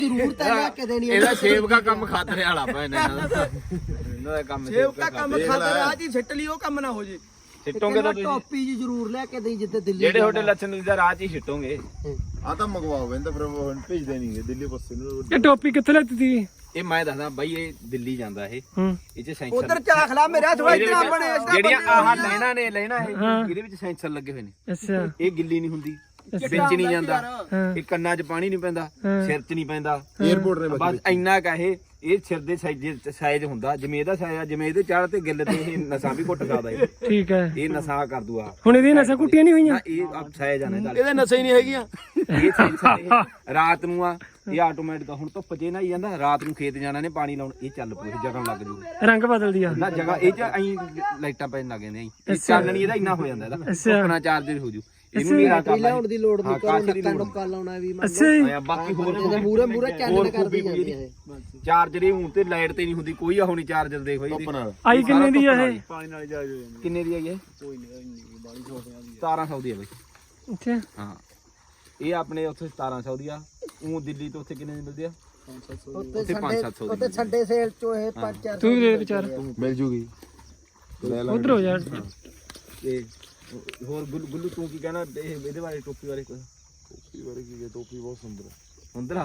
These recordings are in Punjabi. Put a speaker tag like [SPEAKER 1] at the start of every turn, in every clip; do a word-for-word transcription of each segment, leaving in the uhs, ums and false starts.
[SPEAKER 1] ਜ਼ਰੂਰ ਤਾਂ ਲੈ ਕੇ ਦੇਣੀ
[SPEAKER 2] ਇਹਦਾ ਸੇਬ ਦਾ ਕੰਮ ਖਾਤਰੇ ਵਾਲਾ ਪਾ ਇਹਨਾਂ ਦਾ ਇਹਨਾਂ ਦਾ ਕੰਮ
[SPEAKER 3] ਸੇਵ ਦਾ ਕੰਮ ਖਾਤਰ ਆ ਜੀ ਸਿੱਟ ਲਈ ਉਹ ਕੰਮ ਨਾ ਹੋ ਜੇ
[SPEAKER 2] ਸਿੱਟੋਗੇ ਤਾਂ ਤੁਸੀਂ
[SPEAKER 1] ਟੋਪੀ ਜੀ ਜ਼ਰੂਰ ਲੈ ਕੇ ਦੇਈ ਜਿੱਤੇ ਦਿੱਲੀ
[SPEAKER 2] ਜਿਹੜੇ ਤੁਹਾਡੇ ਲੱਛਣ ਦਾ ਰਾਹ 'ਚ ਹੀ ਸਿੱਟੋਗੇ
[SPEAKER 4] ਆ ਤਾਂ ਮੰਗਵਾਓ ਕਹਿੰਦਾ ਫਿਰ ਉਹ ਭੇਜਦੇ ਨਹੀਂਗੇ ਦਿੱਲੀ ਪਾਸੇ ਨੂੰ
[SPEAKER 5] ਇਹ ਟੋਪੀ ਕਿੱਥੇ ਲੈਤੀ ਸੀ
[SPEAKER 2] ਇਹ ਮੈਂ ਦੱਸਦਾ ਬਾਈ ਇਹ ਦਿੱਲੀ ਜਾਂਦਾ ਇਹ
[SPEAKER 5] ਹੂੰ
[SPEAKER 2] ਇਹ 'ਚ ਸੈਂਸਰ
[SPEAKER 3] ਉਧਰ ਝਾਖ ਲਾ ਮੇਰਾ ਥੋੜਾ ਇਤਨਾ ਬਣੇ ਇਸ
[SPEAKER 2] ਜਿਹੜੀਆਂ ਆਹ ਲੈਣਾ ਨੇ ਲੈਣਾ ਇਹ ਇਹਦੇ ਵਿੱਚ ਸੈਂਸਰ ਲੱਗੇ ਹੋਏ ਨੇ
[SPEAKER 5] ਅੱਛਾ
[SPEAKER 2] ਇਹ ਗਿੱਲੀ ਨਹੀਂ ਹੁੰਦੀ ਵਿੱਚ ਨਹੀਂ ਜਾਂਦਾ ਇਹ ਕੰਨਾਂ 'ਚ ਪਾਣੀ ਨਹੀਂ ਪੈਂਦਾ ਸਿਰ 'ਚ ਨਹੀਂ ਪੈਂਦਾ
[SPEAKER 4] 에어ਪੋਰਟ ਨੇ
[SPEAKER 2] ਬਸ ਇੰਨਾ ਕਾ ਇਹ ਇਹ ਸਿਰ ਦੇ ਸਾਈਜ਼ ਸਾਈਜ਼ ਹੁੰਦਾ ਜਿਵੇਂ ਇਹਦਾ ਸਾਈਜ਼ ਜਿਵੇਂ ਇਹਦੇ ਚਾੜ ਤੇ ਗਿੱਲ ਤੇ ਇਹ ਨਸਾਂ ਵੀ ਘੁੱਟ ਸਕਦਾ ਇਹ
[SPEAKER 5] ਠੀਕ ਹੈ
[SPEAKER 2] ਇਹ ਨਸਾਂ ਕਰ ਦੂਆ
[SPEAKER 5] ਹੁਣ ਇਹਦੀਆਂ ਨਸਾਂ ਕੁੱਟੀਆਂ ਨਹੀਂ ਹੋਈਆਂ
[SPEAKER 2] ਨਾ ਇਹ ਆਪ ਸਾਈਜ਼ ਆਣੇ ਦਾ
[SPEAKER 3] ਇਹਦੇ ਨਸ਼ੇ ਹੀ ਨਹੀਂ ਹੈਗੀਆਂ
[SPEAKER 2] ਇਹ ਸੈਂਸਰ ਇਹ ਰਾਤ ਨੂੰ ਆ ਇਹ ਆਟੋਮੈਟਿਕ ਹੁਣ ਧੁੱਪ ਜੇ ਨਾ ਹੀ ਜਾਂਦਾ ਰਾਤ ਨੂੰ ਖੇਤ ਜਾਣਾ ਨੇ ਪਾਣੀ ਲਾਉਣ ਇਹ ਚੱਲ ਪੂਰੀ ਜਗਣ ਲੱਗ ਜੂ
[SPEAKER 5] ਰੰਗ ਬਦਲਦੀ ਆ
[SPEAKER 2] ਨਾ ਜਗ੍ਹਾ ਇਹ ਚ ਐਂ ਲਾਈਟਾਂ ਪੈਣ ਲੱਗ ਜਾਂਦੀਆਂ ਇਹ ਚਾਨਣੀ ਇਹਦਾ ਇੰਨਾ ਹੋ ਜਾਂਦਾ ਇਹਦਾ ਧੁੱਪਣਾ ਚਾਰਜਰ ਹੋ ਜੂ ਇਹਨੂੰ ਨਹੀਂ ਰਾਤ
[SPEAKER 1] ਲਿਆਉਣ ਦੀ ਲੋੜ ਨਹੀਂ ਕੋਈ ਨੱਕਾ ਨੁੱਕਾ ਲਾਉਣਾ ਵੀ ਮੰਨ
[SPEAKER 5] ਅੱਛਾ ਜੀ
[SPEAKER 2] ਆ ਬਾਕੀ ਹੋਰ
[SPEAKER 1] ਮੂਰੇ ਮੂਰੇ ਚੈਨਲ ਕਰਦੀ ਜਾਂਦੀ ਹੈ
[SPEAKER 2] ਚਾਰਜਰ ਇਹ ਹੁਣ ਤੇ ਲਾਈਟ ਤੇ ਨਹੀਂ ਹੁੰਦੀ ਕੋਈ ਆ ਹੁਣੀ ਚਾਰਜਰ ਦੇਖੋ ਇਹਦੀ
[SPEAKER 5] ਆਈ ਕਿੰਨੇ ਦੀ ਆ ਇਹ
[SPEAKER 3] ਪਾਣੀ ਨਾਲ ਜਾ ਜਾਂਦੀ
[SPEAKER 2] ਕਿੰਨੇ ਦੀ ਆਈ ਹੈ
[SPEAKER 3] ਕੋਈ ਨਹੀਂ ਬਾਲੀ ਛੋਟੀਆਂ ਦੀ
[SPEAKER 2] ਸਤਾਰਾਂ ਸੌ ਦੀ ਹੈ ਬਈ
[SPEAKER 5] ਅੱਛਾ
[SPEAKER 2] ਹਾਂ ਇਹ ਆਪਣੇ ਉੱਥੇ ਸਤਾਰਾਂ ਸੌ ਦੀ ਆ ਉਹ ਦਿੱਲੀ ਤੋਂ ਉੱਥੇ ਕਿੰਨੇ ਦੀ ਮਿਲਦੀ ਆ
[SPEAKER 1] ਉੱਤੇ
[SPEAKER 2] ਪੰਜ ਸੱਤ ਸੌ ਦੀ
[SPEAKER 1] ਉੱਤੇ ਛੱਡੇ ਸੇਲ ਚੋਂ ਇਹ ਪੰਜ ਚਾਰ
[SPEAKER 5] ਤੂੰ ਵੀ ਦੇ ਵਿਚਾਰ
[SPEAKER 4] ਮਿਲ ਜੂਗੀ
[SPEAKER 5] ਉਧਰ ਹੋ ਜਾ
[SPEAKER 2] ਤੇ ਹੋਰ ਗੁੱਲੂ ਗੁੱਲੂ ਤੂੰ ਕੀ ਕਹਿਣਾ ਇਹ ਇਹਦੇ ਬਾਰੇ ਟੋਪੀ ਬਾਰੇ ਕੋਈ
[SPEAKER 4] ਟੋਪੀ ਬਾਰੇ ਕੀ ਹੈ ਟੋਪੀ ਬਹੁਤ ਸੁੰਦਰ ਹੈ
[SPEAKER 2] ਹੁੰਦਰਾ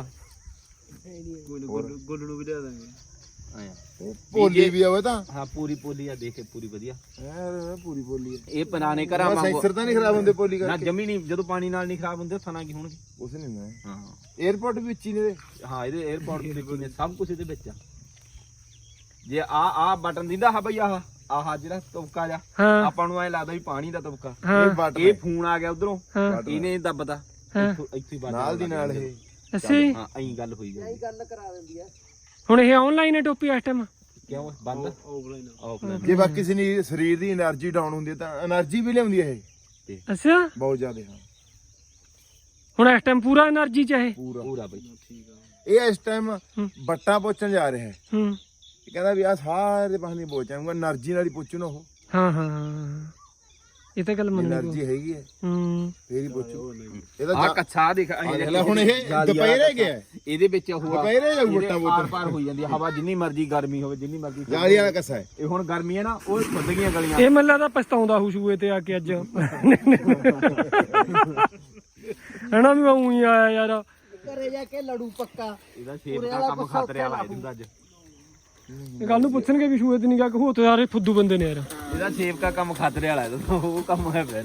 [SPEAKER 3] ਗੁੱਲ ਨੂੰ ਵੀ ਦੇ ਦਾਂਗੇ
[SPEAKER 2] ਆਇਆ
[SPEAKER 4] ਪੋਲੀ ਵੀ ਆਵੇ ਤਾਂ
[SPEAKER 2] ਹਾਂ ਪੂਰੀ ਪੋਲੀ ਆ ਦੇਖੇ ਪੂਰੀ ਵਧੀਆ
[SPEAKER 4] ਯਾਰ ਪੂਰੀ ਪੋਲੀ ਹੈ
[SPEAKER 2] ਇਹ ਪੁਰਾਣੇ ਘਰਾਂ ਵਾਂਗੂ
[SPEAKER 4] ਸੈਂਸਰ ਤਾਂ ਨਹੀਂ ਖਰਾਬ ਹੁੰਦੇ ਪੋਲੀ
[SPEAKER 2] ਨਾ
[SPEAKER 4] ਕਰਕੇ
[SPEAKER 2] ਜਮੀ ਨਹੀਂ ਜਦੋਂ ਪਾਣੀ ਨਾਲ ਨਹੀਂ ਖਰਾਬ ਹੁੰਦੇ ਥਣਾ ਕੀ ਹੋਣਗੇ
[SPEAKER 4] ਉਸ ਨਹੀਂ ਹੁੰਦਾ
[SPEAKER 2] ਹਾਂ
[SPEAKER 4] 에어ਪੋਰਟ ਵੀ ਵਿੱਚ ਹੀ ਨੇ
[SPEAKER 2] ਹਾਂ ਇਹਦੇ 에어ਪੋਰਟ ਦੇ ਵਿੱਚ ਨੇ ਸਭ ਕੁਝ ਇਹਦੇ ਵਿੱਚ ਆ ਜੇ ਆ ਆ ਬਟਨ ਦਿੰਦਾ ਹਾਂ ਬਈ ਆਹ ਆਹ ਜਿਹੜਾ ਤਬਕਾ ਜਾ
[SPEAKER 5] ਹਾਂ
[SPEAKER 2] ਆਪਾਂ ਨੂੰ ਐ ਲੱਗਦਾ ਵੀ ਪਾਣੀ ਦਾ ਤਬਕਾ
[SPEAKER 5] ਹਾਂ
[SPEAKER 4] ਬਟ
[SPEAKER 2] ਇਹ ਫੋਨ ਆ ਗਿਆ ਉਧਰੋਂ
[SPEAKER 5] ਹਾਂ
[SPEAKER 2] ਇਹਨੇ ਦੱਬਦਾ
[SPEAKER 5] ਹਾਂ।
[SPEAKER 2] ਇੱਥੋਂ ਇੱਥੇ ਹੀ
[SPEAKER 4] ਨਾਲ ਦੀ ਨਾਲ ਇਹ
[SPEAKER 5] ਅੱਛਾ ਜੀ
[SPEAKER 2] ਹਾਂ ਐਂ ਗੱਲ ਹੋਈ ਗਈ
[SPEAKER 1] ਗੱਲ ਕਰਾ ਦਿੰਦੀ ਹੈ
[SPEAKER 5] ਹੁਣ ਇਹ ਆਨਲਾਈਨ ਹੈ ਟੋਪੀ ਇਸ ਟਾਈਮ
[SPEAKER 2] ਕਿਉਂ ਬੰਦ
[SPEAKER 3] ਆਫਲਾਈਨ
[SPEAKER 2] ਆਫਲਾਈਨ
[SPEAKER 4] ਜੇ ਬਾਕੀ ਕਿਸੇ ਦੀ ਸਰੀਰ ਦੀ એનર્ਜੀ ਡਾਊਨ ਹੁੰਦੀ ਹੈ ਤਾਂ એનર્ਜੀ ਵੀ ਲਿਆਉਂਦੀ ਹੈ ਇਹ
[SPEAKER 5] ਅੱਛਾ
[SPEAKER 4] ਬਹੁਤ ਜ਼ਿਆਦਾ ਹਾਂ
[SPEAKER 5] ਹੁਣ ਇਸ ਟਾਈਮ ਪੂਰਾ એનર્ਜੀ ਚ ਹੈ
[SPEAKER 4] ਪੂਰਾ
[SPEAKER 2] ਪੂਰਾ ਬਈ
[SPEAKER 3] ਠੀਕ ਆ
[SPEAKER 4] ਇਹ ਇਸ ਟਾਈਮ ਬੱਟਾਂ ਪੋਚਣ ਜਾ ਰਿਹਾ ਹੈ
[SPEAKER 5] ਹੂੰ
[SPEAKER 4] ਇਹ ਕਹਿੰਦਾ ਵੀ ਆ ਸਾਰੇ ਪਾਸੇ ਨਹੀਂ ਪੋਚਾਂਗਾ એનર્ਜੀ ਨਾਲ ਹੀ ਪੋਚੂ ਨਾ ਉਹ
[SPEAKER 5] ਹਾਂ ਹਾਂ ਹਾਂ ਇਹ ਤਾਂ ਗੱਲ ਮੰਨੀ
[SPEAKER 4] એનર્ਜੀ ਹੈਗੀ ਹੈ
[SPEAKER 5] ਹੂੰ
[SPEAKER 4] ਫੇਰ ਹੀ ਪੋਚੂ
[SPEAKER 2] ਆ
[SPEAKER 4] ਇਹਦਾ
[SPEAKER 2] ਕੱਛਾ ਦੇਖ
[SPEAKER 4] ਜਾ ਹੁਣ ਇਹ ਦੁਪਹਿਰੇ ਗਿਆ
[SPEAKER 2] ਇਹਦੇ ਵਿੱਚ ਉਹ
[SPEAKER 4] ਦੁਪਹਿਰੇ ਜਾਊ ਬੱਟਾਂ
[SPEAKER 2] ਪਾਰ ਪਾਰ ਹੋਈ ਜਾਂਦੀ ਆ, ਹਵਾ ਜਿੰਨੀ ਮਰਜ਼ੀ ਗਰਮੀ ਹੋਵੇ ਜਿੰਨੀ ਮਰਜ਼ੀ
[SPEAKER 4] ਜਾਲੀ ਵਾਲਾ ਕੱਸਾ ਹੈ
[SPEAKER 2] ਇਹ ਹੁਣ ਗਰਮੀ ਹੈ ਨਾ ਉਹ ਖੁੱਦ ਗਈਆਂ ਗਲੀਆਂ
[SPEAKER 5] ਇਹ ਮੱਲਾ ਤਾਂ ਪਛਤਾਉਂਦਾ ਹੂ ਸ਼ੂਏ ਤੇ ਆ ਕੇ ਅੱਜ ਹਣਾ ਵੀ ਉਹੀ ਆਇਆ ਯਾਰ
[SPEAKER 1] ਘਰੇ ਜਾ ਕੇ ਲੜੂ ਪੱਕਾ
[SPEAKER 2] ਇਹਦਾ ਸੇਬ ਦਾ ਕੰਮ ਖਾਤਰੇ ਵਾਲਾ ਇਹਦਾ ਅੱਜ
[SPEAKER 5] ਕੱਲ ਨੂੰ ਪੁੱਛਣਗੇ ਵੀ ਸ਼ੂਏ ਤੇ ਨਹੀਂ ਗਿਆ ਕਿ ਹੋ ਤੇ ਸਾਰੇ ਫੁੱਦੂ ਬੰਦੇ ਨੇ ਯਾਰ
[SPEAKER 2] ਇਹਦਾ ਸੇਬ ਦਾ ਕੰਮ ਖਾਤਰੇ ਵਾਲਾ ਇਹਦਾ ਉਹ ਕੰਮ ਹੈ ਫਿਰ